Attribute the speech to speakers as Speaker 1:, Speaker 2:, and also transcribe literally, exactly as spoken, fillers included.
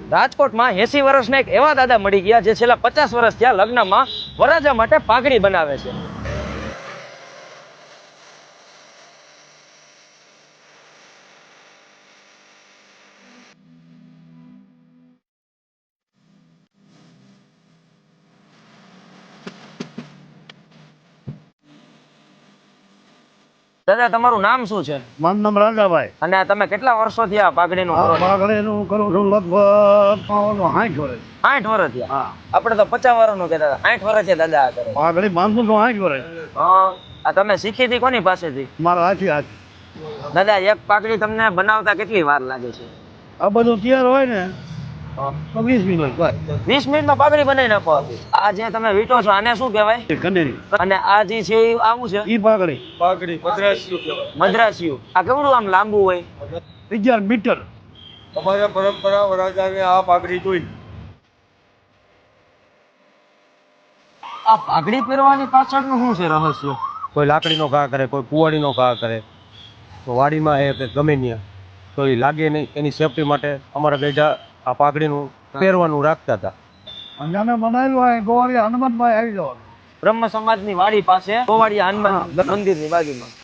Speaker 1: રાજકોટમાં એસી વર્ષના એક એવા દાદા મળી ગયા જે છેલ્લા પચાસ વર્ષ થયા લગ્નમાં વરરાજા માટે પાઘડી બનાવે છે. દાદા તમારું નામ શું છે?
Speaker 2: મારું નામ રાજાભાઈ.
Speaker 1: અને તમે કેટલા વર્ષોથી આ પાઘડીનું કરો છો?
Speaker 2: પાઘડીનું કરું છું લગભગ સાઠ વર્ષ.
Speaker 1: આઠ વર્ષ થયા.
Speaker 2: હા,
Speaker 1: આપણે તો પચાસ વર્ષનું કહેતા હતા, આઠ વર્ષ થયા દાદા આ કરે.
Speaker 2: પાઘડી બાંધું છું સાઠ વર્ષ.
Speaker 1: હા, આ તમે શીખી હતી કોની પાસેથી?
Speaker 2: મારા હાથી હાથ.
Speaker 1: દાદા એક પાઘડી તમને બનાવતા કેટલી વાર લાગે છે?
Speaker 2: આ બધું તૈયાર હોય ને તો વીસ મિનિટ બસ.
Speaker 1: વીસ મિનિટમાં પાઘડી બનાવી નાખો. આ જે તમે વીટો છો આને શું કહેવાય?
Speaker 2: કનેરી.
Speaker 1: અને આ જે છે એ આવું છે
Speaker 2: ઈ પાઘડી
Speaker 3: પાઘડી મદ્રાસિયું કહેવાય.
Speaker 1: મદ્રાસિયું. આ કેવડું આમ લાંબુ હોય?
Speaker 2: અગિયાર મીટર.
Speaker 3: અમારા પરંપરા વરાજાને આ પાઘડી જોઈ.
Speaker 1: આ પાઘડી પહેરવાની પાછળનું શું છે રહસ્ય?
Speaker 4: કોઈ લાકડીનો ઘા કરે, કોઈ કુવાડીનો ઘા કરે, તો વાડીમાં એ કે ગમે ત્યાં તો એ લાગે નહીં એની સેફટી માટે અમારા ગઈઢા આ પાઘડીનું પહેરવાનું રાખતા હતા.
Speaker 2: અને અમે બનાવેલું હોય ગોવાળી હનુમાનભાઈ આવી જવાનું.
Speaker 1: બ્રહ્મ સમાજની વાડી પાસે ગોવાળિયા હનુમાન મંદિરની બાજુમાં